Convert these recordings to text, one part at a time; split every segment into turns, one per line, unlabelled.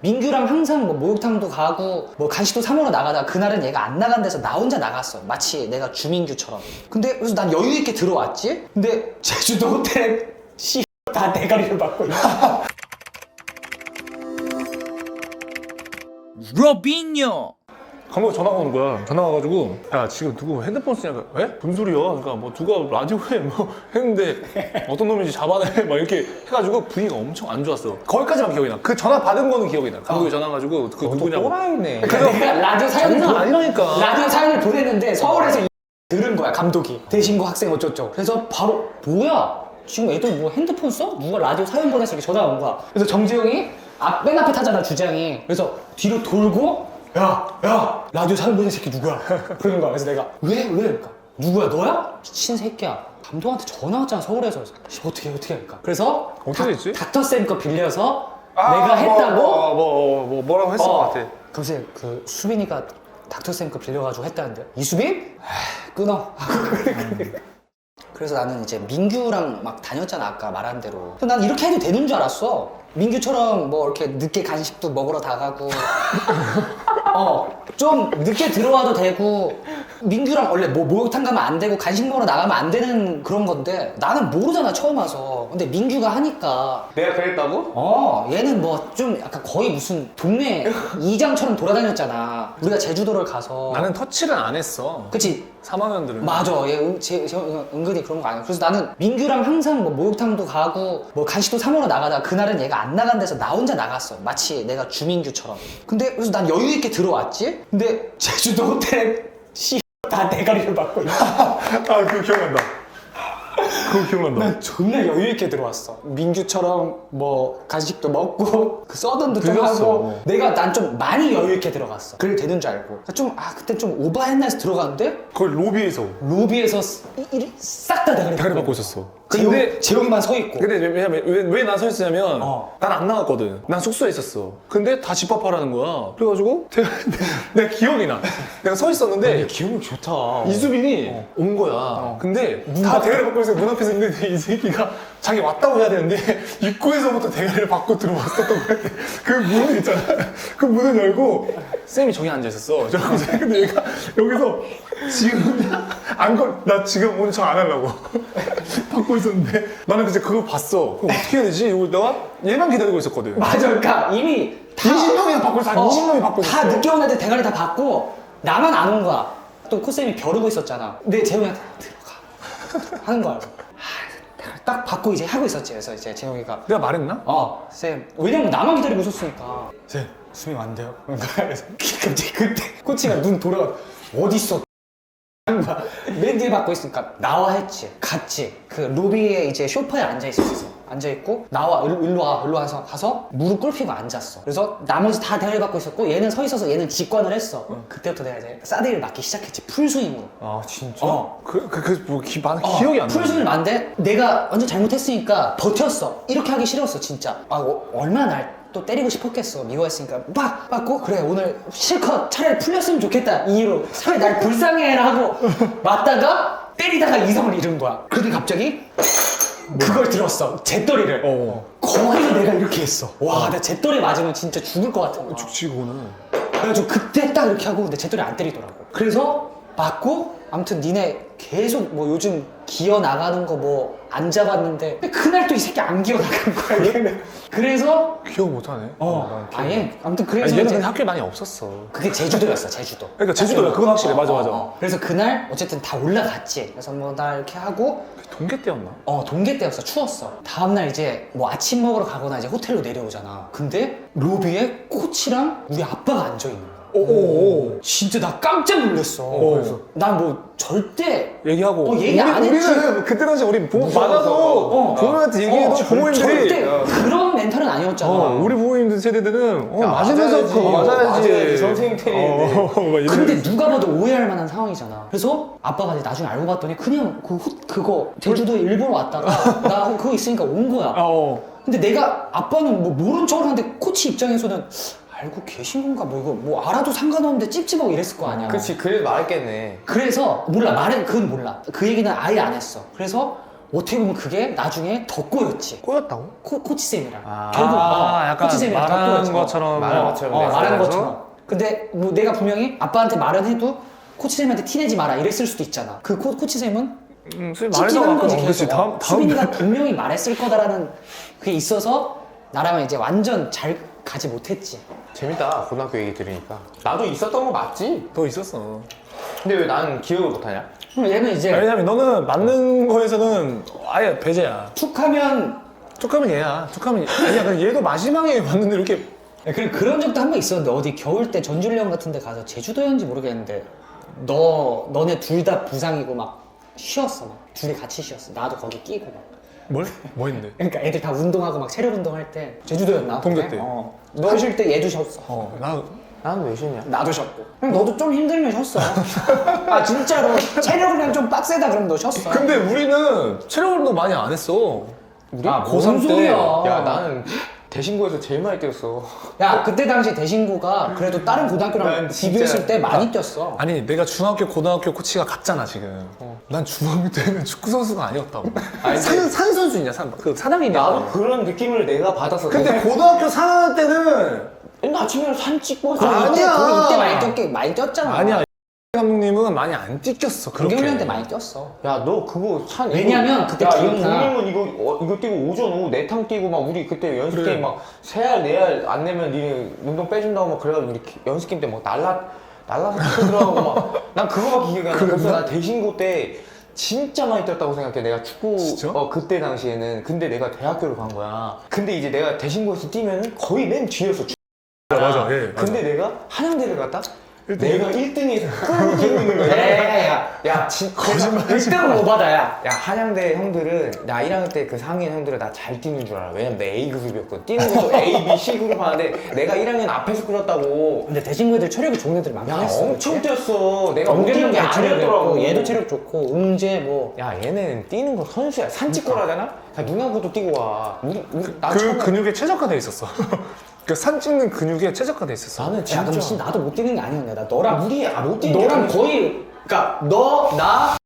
민규랑 항상 뭐 목욕탕도 가고 뭐 간식도 사 먹으러 나가다가 그날은 얘가 안 나간 데서 나 혼자 나갔어. 마치 내가 주민규처럼. 근데 그래서 난 여유 있게 들어왔지. 근데 제주도 호텔에 다 대가리를 받고 있어.
로빈요.
감독이 전화가 오는 거야. 전화가 와가지고 야 지금 누구 핸드폰 쓰냐고. 에? 무슨 소리야? 그러니까 뭐 누가 라디오에 뭐 했는데 어떤 놈인지 잡아내 막 이렇게 해가지고 분위기가 엄청 안 좋았어. 거기까지만 기억이 나. 그 전화 받은 거는 기억이 나. 감독이 전화 와가지고 그 누구냐고.
또라이네.
그래서 내가 라디오 사연을
장난 아니라니까.
라디오 사연을 보냈는데 서울에서 들은 거야 감독이. 대신고 학생 어쩌죠. 그래서 바로 뭐야? 지금 애들 뭐 핸드폰 써? 누가 라디오 사연 보내서 이렇게 전화가 온 거야. 그래서 정재영이 맨 앞에 타잖아 주장이. 그래서 뒤로 돌고 야 라디오 사연 보낸 새끼 누구야? 그러는 거야. 그래서 내가 왜? 그러니까 누구야 너야? 미친 새끼야. 감독한테 전화 왔잖아 서울에서. 그래서 어떻게 하니까. 그래서
어떻게 했지?
닥터쌤 거 빌려서 내가 했다고.
뭐라고 했을 것 같아.
글쎄 그 수빈이가 닥터쌤 거 빌려가지고 했다는데 이수빈? 끊어. 그래서 나는 이제 민규랑 막 다녔잖아 아까 말한 대로. 그래서 난 이렇게 해도 되는 줄 알았어. 민규처럼 뭐 이렇게 늦게 간식도 먹으러 다 가고 좀 늦게 들어와도 되고. 민규랑 원래 뭐 목욕탕 가면 안 되고 간식 먹으러 나가면 안 되는 그런 건데 나는 모르잖아 처음 와서. 근데 민규가 하니까
내가 그랬다고?
얘는 뭐 좀 약간 거의 무슨 동네 이장처럼 돌아다녔잖아. 우리가 제주도를 가서.
나는 터치를 안 했어.
그치?
3학년들은.
맞아. 얘 은근히 그런 거 아니야. 그래서 나는 민규랑 항상 뭐 목욕탕도 가고 뭐 간식도 사 먹으러 나가다가 그날은 얘가 안 나간 데서 나 혼자 나갔어. 마치 내가 주민규처럼. 근데 그래서 난 여유 있게 들어왔지. 근데 제주도 호텔에 다 대가리를 받고 있어.
그거 기억난다. 그거 기억난다.
난 존나 여유 있게 들어왔어. 민규처럼 뭐 간식도 먹고 그 서든도 좀
들렸어.
하고. 난 좀 많이 여유 있게 들어갔어. 그래 되는 줄 알고. 그때 좀 오버했나 해서 들어갔는데
거기 로비에서
로비에서 싹 다 대가리
대가리 받고 있었어.
근데 재영이만 서 있고.
근데 왜냐면 왜 난 서 있었냐면
어.
난 안 나갔거든. 난 숙소에 있었어. 근데 다 집합하라는 거야. 그래가지고 내가 기억이 나. 내가 서 있었는데
기억력 좋다.
이수빈이 온 거야. 근데 다 대가리 받고 있어. 문 앞에서 있는데 이 새끼가 자기 왔다고 해야 되는데 입구에서부터 대가리를 받고 들어왔었던 거야. 그 문을 있잖아. 그 문을 열고 쌤이 저기 앉아 있었어. 근데 얘가 여기서 지금 나 지금 오늘 저 안 하려고 받고 있었는데 나는 그때 그걸 봤어. 그럼 어떻게 해야 되지? 이걸 내가 얘만 기다리고 있었거든.
맞아. 그러니까 이미 다
20명이 받고 있어. 한 20명이 받고 있었어.
다 늦게 온 애들 대가리 다 받고 나만 안 온 거야. 또 코쌤이 벼르고 있었잖아. 근데 재영이한테 들어가 하는 거야. 대가리 딱 받고 이제 하고 있었지. 그래서 이제 재영이가
내가 말했나?
쌤. 왜냐면 나만 기다리고 있었으니까. 쌤, 수미 왔는데요? 그래서 갑자기 그때 코치가 눈 돌아가. 어딨어? 하는 거야. 맨 뒤에 받고 있으니까 나와 했지. 갔지. 그 로비에 이제 소파에 앉아 있었어. 앉아 있고 나와 일로 와서 가서 무릎 꿇히고 앉았어. 그래서 나머지 다 대가리 받고 있었고 얘는 서 있어서 얘는 직관을 했어. 그때부터 내가 이제 사드를 맞기 시작했지. 풀스윙으로.
아 진짜?
나는 기억이 안 나.
풀스윙을 맞는데 내가 완전 잘못했으니까 버텼어. 이렇게 하기 싫었어 진짜. 얼마나 날 또 때리고 싶었겠어. 미워했으니까 막 맞고 그래 오늘 실컷 차라리 풀렸으면 좋겠다 이 이유로 차라리 날 불쌍해라 하고 맞다가 때리다가 이성을 잃은 거야. 그런데 갑자기 그걸 들었어. 잿더리를. 거기서 내가 이렇게 했어. 와, 나 잿더리 맞으면 진짜 죽을 것 같은 거야.
죽지 그거는.
그래가지고 그때 딱 이렇게 하고 근데 잿더리 안 때리더라고. 그래서 맞고 아무튼 니네 계속 뭐 요즘 기어 나가는 거 뭐 안 잡았는데 근데 그날 또 이 새끼 안 기어 나간 거야 얘는. 그래서
기억 못하네.
아예 아무튼 그래서
얘는
이제
근데 학교에 많이 없었어.
그게 제주도였어 제주도.
그러니까 제주도야. 그건 확실해. 맞아.
그래서 그날 어쨌든 다 올라갔지. 그래서 뭐 나 이렇게 하고
동계 때였나?
동계 때였어. 추웠어. 다음날 이제 뭐 아침 먹으러 가거나 이제 호텔로 내려오잖아. 근데 로비에 코치랑 우리 아빠가 앉아있는 거야. 진짜 나 깜짝 놀랐어. 그래서 난 뭐 절대
얘기하고.
얘기 안 했지.
우리는 그때 당시 우리 부모 많아도 부모님한테 얘기해도 부모님들이
절대 그런 멘탈은 아니었잖아.
우리 부모님들 세대들은 맞으면서
맞아야지.
그거 맞아야지.
선생님 때리는데.
근데 누가 봐도 오해할 만한 상황이잖아. 그래서 아빠가 이제 나중에 알고 봤더니 그냥 그거 제주도에 일본 왔다가 나 그거 있으니까 온 거야. 근데 내가 아빠는 뭐 모른 척을 하는데 코치 입장에서는 알고 계신 건가 뭐 이거 뭐 알아도 상관없는데 찝찝하고 이랬을 거 아니야.
그치 그래도 말했겠네.
그래서 몰라 그건 몰라. 그 얘기는 아예 안 했어. 그래서 어떻게 보면 그게 나중에 더 꼬였지.
꼬였다고?
코치쌤이랑.
아.
결국
약간
코치쌤이랑 더
말하는
꼬였지.
것처럼
말하는 것처럼
말하는
그래서?
것처럼. 근데 뭐 내가 분명히 아빠한테 말은 해도 코치쌤한테 티내지 마라 이랬을 수도 있잖아. 그 코치쌤은 찍긴 한 거지
그렇지.
계속. 수빈이가 분명히 말했을 거다라는 그게 있어서 나랑은 이제 완전 잘 가지 못했지.
재밌다 고등학교 얘기 들으니까. 나도 있었던 거 맞지?
너 있었어.
근데 왜 난 기억을 못하냐?
그럼 얘는 이제
왜냐면 너는 맞는 거에서는 아예 배제야.
툭하면
툭하면 얘야. 툭하면 아니야. 근데 얘도 마지막에 봤는데 이렇게
그래 그런 적도 한 번 있었는데 어디 겨울 때 전주령 같은 데 가서 제주도였는지 모르겠는데 너네 둘 다 부상이고 막 쉬었어 막 둘이 같이 쉬었어. 나도 거기 끼고 막.
뭘? 뭐 했는데?
그러니까 애들 다 운동하고 막 체력 운동할 때 제주도였나?
동계
그때?
때.
너 쉴 때 얘도 쉬었어.
나
난 왜 쉬냐?
나도 쉬었고. 그럼 너도 좀 힘들면 쉬었어. 아 진짜로 체력이랑 좀 빡세다 그러면 너 쉬었어.
근데 우리는 체력 운동 많이 안 했어.
우리?
아,
고3
뭔
때.
소리야.
야 나는 대신고에서 제일 많이 뛰었어.
야 그때 당시 대신고가 그래도 다른 고등학교랑
난 진짜-
비교했을 때 많이 뛰었어.
아니 내가 중학교 고등학교 코치가 같잖아 지금. 난 중학교 때는 축구 선수가 아니었다고.
아니,
산 사냥이냐
나도 그런 느낌을 내가 받았어.
근데 고등학교 4학년 때는
맨날 아침에 산 찍고
그럼
아니야.
이때 많이 뛰었잖아.
아니야. 감독님은 많이 안 뛰겼어. 그렇게.
동경이한테 많이 뛰었어.
야 너 그거 산
왜냐면 그때
야,
기억나.
국민은 이거 뛰고 오전 오후 내탕 뛰고 막 우리 그때 연습
그래.
게임 막 3알 4알 안 내면 니네 운동 빼준다고 막 그래가지고 우리 연습 게임 때 막 날라서 쳐 들어가고 막 난 그거밖에 기억이 안 나. 그래서 나 대신고 때 진짜 많이 뛰었다고 생각해. 내가 축구
진짜?
그때 당시에는. 근데 내가 대학교를 간 거야. 근데 이제 내가 대신고에서 뛰면은 거의 맨 뒤였어.
맞아. 예. 맞아.
근데 내가 한양대를 갔다 내가 1등에서 끌고 뛰고 있는 거야.
야야야.
거짓말하지
1등은 못 받아야.
야 한양대 형들은 나 1학년 때 그 상인 형들은 나 잘 뛰는 줄 알아. 왜냐면 내 A그룹이었거든. 뛰는 것도 A, B, C 그룹 하는데 내가 1학년 앞에서 끌었다고.
근데 대신고 애들 체력이 좋은 애들이 많긴
야
했어.
엄청 뛰었어. 내가 못 뛰는 게 아니었더라고.
체력이었고 얘도 체력 좋고 응재 뭐.
야 얘는 뛰는 거 선수야. 산찍고라잖아. 야 누나보고 뛰고 와. 나
그
처음에
근육에 최적화돼 있었어. 그 산 찍는 근육에 최적화돼 있었어.
나는
야 그럼
진짜
나도 못 뛰는 게 아니었네. 나 너랑
우리 못 뛰는 게
너랑
아니었어.
거의 그러니까 나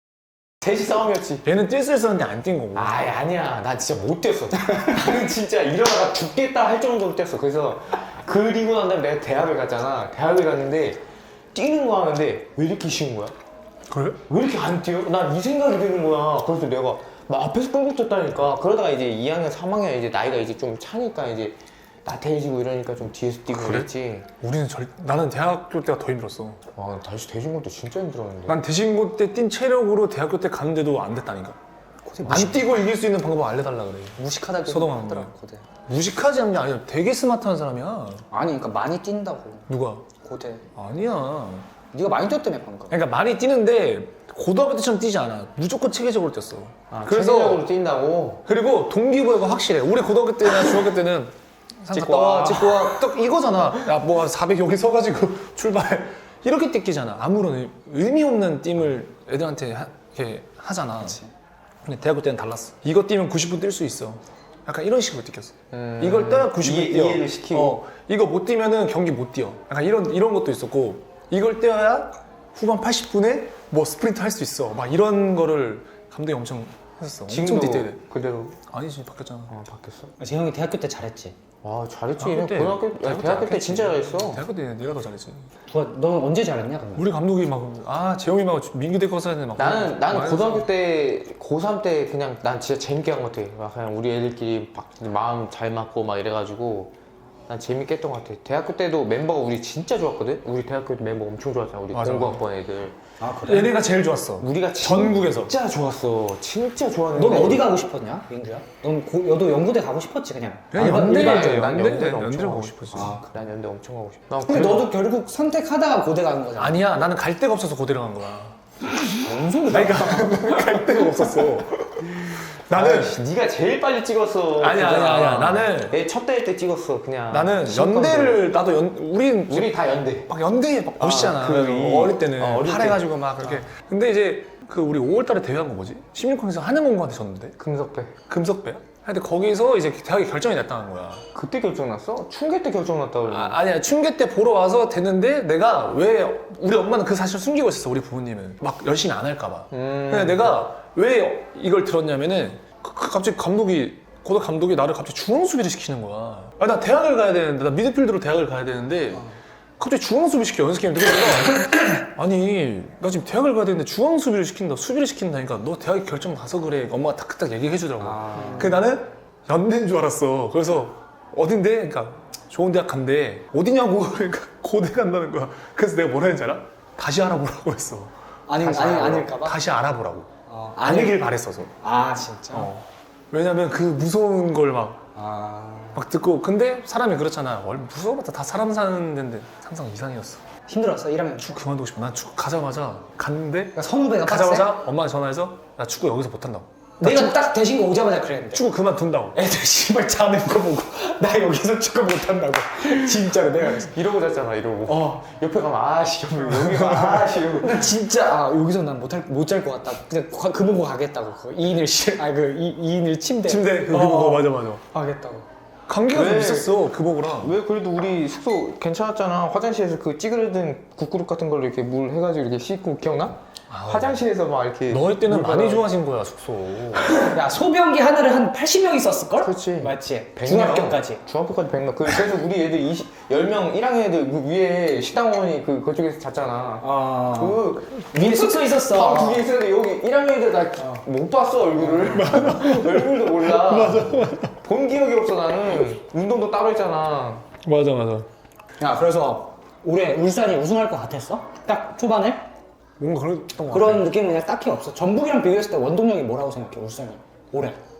셋이 싸움이었지.
얘는 뛸 수 있었는데 안 뛴 거고.
아니야. 나 진짜 못 뛰었어. 나는 진짜 이러다가 죽겠다 할 정도로 뛰었어. 그래서 그리고 난 다음에 내가 대학을 갔잖아. 대학을 갔는데 뛰는 거 하는데 왜 이렇게 쉬운 거야?
그래?
왜 이렇게 안 뛰어? 난 이 생각이 드는 거야. 그래서 내가 막 앞에서 끌고 뛰었다니까. 그러다가 이제 2학년, 3학년 이제 나이가 이제 좀 차니까 이제 나태해지고 이러니까 좀 뒤에서 뛰고
그래?
그랬지.
우리는 나는 대학교 때가 더 힘들었어.
와, 다시 대신 것도 진짜 힘들었는데.
난 대신고 때 뛴 체력으로 대학교 때 갔는데도 안 됐다니까. 안 뛰고 이길 수 있는 방법 알려달라 그래.
무식하다고
서동환
하더라고 고대.
무식하지 않냐? 아니야. 되게 스마트한 사람이야.
아니 그러니까 많이 뛴다고
누가?
고대.
아니야.
네가 많이 뛰었다며 방금.
그러니까 많이 뛰는데 고등학교 때처럼 뛰지 않아. 무조건 체계적으로 뛰었어.
아,
그래서
체계적으로 뛴다고?
그리고 동기부여가 확실해. 우리 고등학교 때나 중학교 때는
찍고 와.
찍고 와. 딱 이거잖아. 야, 뭐 400 여기 서가지고 출발. 이렇게 뛰기잖아. 아무런 의미 없는 띵을 애들한테 이렇게 하잖아.
그치.
근데 대학교 때는 달랐어. 이거 뛰면 90분 뛸 수 있어. 약간 이런 식으로 뛰겼어. 이걸 떠야 90분 뛰어.
이해를 시키고.
이거 못 뛰면은 경기 못 뛰어. 약간 이런 것도 있었고, 이걸 뛰어야 후반 80분에 뭐 스프린트 할 수 있어. 막 이런 거를 감독이 엄청 했었어. 엄청
지금도
디테일해.
그대로
아니지, 바뀌었잖아.
바뀌었어?
재형이 대학교 때 잘했지.
와 잘했지.
대학교 때,
대학교 때 진짜 잘했어.
대학교 때 내가 더 잘했지.
넌 언제 잘했냐 그러면?
우리 감독이 막, 재영이 막 민규대 거 써야 되는데 막.
나는
많이
고등학교
했어.
때 고3 때 그냥 난 진짜 재밌게 한 것 같아. 막 그냥 우리 애들끼리 막 마음 잘 맞고 막 이래가지고 난 재밌게 했던 것 같아. 대학교 때도 멤버가 우리 진짜 좋았거든. 우리 대학교 때 member 엄청 좋았잖아. 우리
맞아.
공부학번 애들.
아 그래?
얘네가 제일 좋았어.
우리가
전국에서.
진짜 좋았어. 진짜 좋았는데.
넌 어디 가고 싶었냐 민규야? 너도 연구대 가고 싶었지 그냥.
그냥
난
연대
연대
연대를
엄청
가고
가고
싶었지.
아,
난 연대 엄청 가고 싶어. 난
근데
그래도-
너도 결국 선택하다가 고대 가는 거잖아.
아니야, 나는 갈 데가 없어서 고대를 간 거야.
뭔 소리야?
갈 데가 없었어. 나는
아이씨, 네가 제일 빨리 찍었어.
아니야. 나는
내 첫 대회 때 찍었어. 그냥.
나는
시험
연대를 나도 우린
우리 다 연대.
막 연대에 막 멋있잖아.
그
어릴 때는
어릴 때.
팔해가지고 막 그렇게. 근데 이제 그 우리 5월달에 대회한 거 뭐지? 16강에서 한양공고한테 졌는데
금석배.
금석배야? 하여튼 거기서 이제 대학이 결정이 났다는 거야.
그때 결정났어? 충계 때 결정났다 그러고.
아니야, 춘계 때 보러 와서 됐는데 내가 왜 우리 엄마는 그 사실을 숨기고 있었어. 우리 부모님은 막 열심히 안 할까봐. 근데 내가 왜 이걸 들었냐면은 갑자기 고대 감독이 나를 갑자기 중앙 수비를 시키는 거야. 아, 나 대학을 가야 되는데, 나 미드필드로 대학을 가야 되는데 갑자기 중앙 수비 시켜 연습 게임. 그래서 내가 아니 나 지금 대학을 가야 되는데 중앙 수비를 시킨다니까 너 대학에 결정 나서 그래. 엄마가 딱 얘기해 주더라고. 그래서 나는 연대인 줄 알았어. 그래서 어딘데? 그러니까 좋은 대학 간대. 어디냐고. 그러니까 고대 간다는 거야. 그래서 내가 뭐라 했는지 알아? 다시 알아보라고 했어.
아닐까봐?
다시 알아보라고.
아니,
아니길 바랬어서.
아, 진짜?
왜냐면 그 무서운 걸 막
아.
듣고. 근데 사람이 그렇잖아. 원래 무서워봤자 다 사람 사는 데인데 항상 이상이었어.
힘들었어, 1학년?
축구 그만두고 싶어. 난 축구 가자마자 갔는데
그러니까 선후배가
가자마자 엄마한테 전화해서 나 축구 여기서 못한다고.
내가 딱 대신거 오자마자 그랬는데.
축구 그만둔다고.
애들 씨발 자는 거 보고 나 여기서 축구 못한다고. 진짜로 내가 그랬어.
이러고 잤잖아 이러고. 옆에 가면 아씨 여기 가 아씨 이러고.
근데 진짜 여기서 난 못 잘 것 같다. 그냥 그 보고 가겠다고. 그 2인을 침대
그거 보고 맞아.
가겠다고.
감기가 좀
왜?
있었어 그 보고랑.
왜 그래도 우리 숙소 괜찮았잖아. 화장실에서 그 찌그러든 국그릇 같은 걸로 이렇게 물 해가지고 이렇게 씻고 기억나? 화장실에서 막 이렇게
너희 때는
물
많이
받아-
좋아진 거야 숙소.
야, 소변기 하나를 한 80명 있었을걸?
그렇지.
맞지?
100명.
중학교까지.
중학교까지 100명. 그래서 우리 애들 10명 1학년 애들 그 위에 식당원이 그쪽에서 잤잖아.
위에 숙소 있었어.
방 2개 있었는데 여기 1학년 애들 나 못 봤어 얼굴을. 얼굴도 몰라. 맞아. 본 기억이 없어 나는. 운동도 따로 했잖아.
맞아.
야, 그래서 올해 울산이 우승할 것 같았어? 딱 초반에?
뭔가 그랬던 거 같아.
그런 느낌은 그냥 딱히 없어. 전북이랑 비교했을 때 원동력이 뭐라고 생각해, 울산이? 올해.